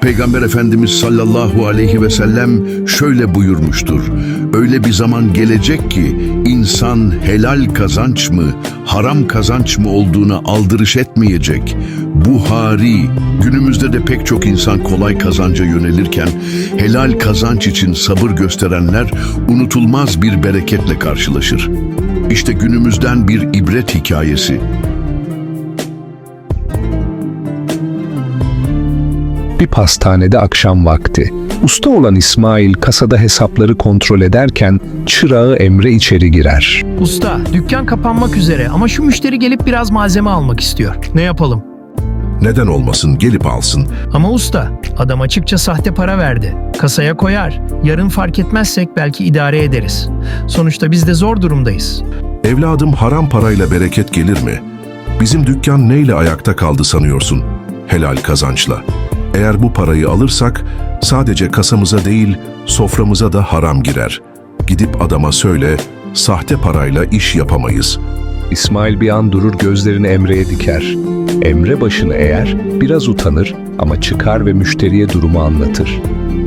Peygamber Efendimiz sallallahu aleyhi ve sellem şöyle buyurmuştur. Öyle bir zaman gelecek ki insan helal kazanç mı, haram kazanç mı olduğuna aldırış etmeyecek. Buhari, günümüzde de pek çok insan kolay kazanca yönelirken helal kazanç için sabır gösterenler unutulmaz bir bereketle karşılaşır. İşte günümüzden bir ibret hikayesi. Bir pastanede akşam vakti. Usta olan İsmail kasada hesapları kontrol ederken çırağı Emre içeri girer. Usta, dükkan kapanmak üzere ama şu müşteri gelip biraz malzeme almak istiyor. Ne yapalım? Neden olmasın, gelip alsın. Ama usta, adam açıkça sahte para verdi. Kasaya koyar. Yarın fark etmezsek belki idare ederiz. Sonuçta biz de zor durumdayız. Evladım, haram parayla bereket gelir mi? Bizim dükkan neyle ayakta kaldı sanıyorsun? Helal kazançla. Eğer bu parayı alırsak sadece kasamıza değil soframıza da haram girer. Gidip adama söyle, sahte parayla iş yapamayız. İsmail bir an durur, gözlerini Emre'ye diker. Emre başını eğer, biraz utanır ama çıkar ve müşteriye durumu anlatır.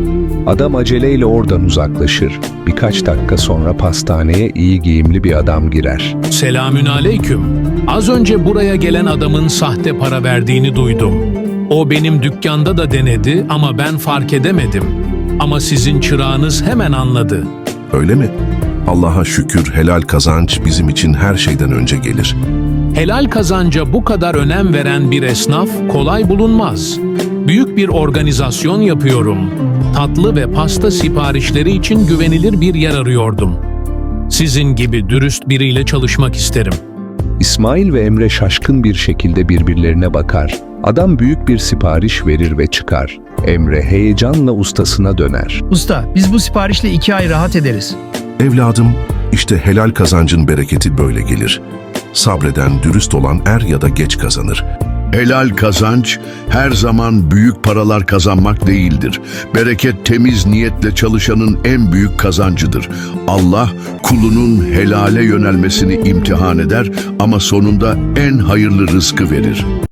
Adam aceleyle oradan uzaklaşır. Birkaç dakika sonra pastaneye iyi giyimli bir adam girer. Selamünaleyküm. Az önce buraya gelen adamın sahte para verdiğini duydum. O benim dükkanda da denedi ama ben fark edemedim. Ama sizin çırağınız hemen anladı. Öyle mi? Allah'a şükür, helal kazanç bizim için her şeyden önce gelir. Helal kazanca bu kadar önem veren bir esnaf kolay bulunmaz. Büyük bir organizasyon yapıyorum. Tatlı ve pasta siparişleri için güvenilir bir yer arıyordum. Sizin gibi dürüst biriyle çalışmak isterim. İsmail ve Emre şaşkın bir şekilde birbirlerine bakar. Adam büyük bir sipariş verir ve çıkar. Emre heyecanla ustasına döner. Usta, biz bu siparişle 2 ay rahat ederiz. Evladım, işte helal kazancın bereketi böyle gelir. Sabreden, dürüst olan er ya da geç kazanır. Helal kazanç her zaman büyük paralar kazanmak değildir. Bereket temiz niyetle çalışanın en büyük kazancıdır. Allah kulunun helale yönelmesini imtihan eder ama sonunda en hayırlı rızkı verir.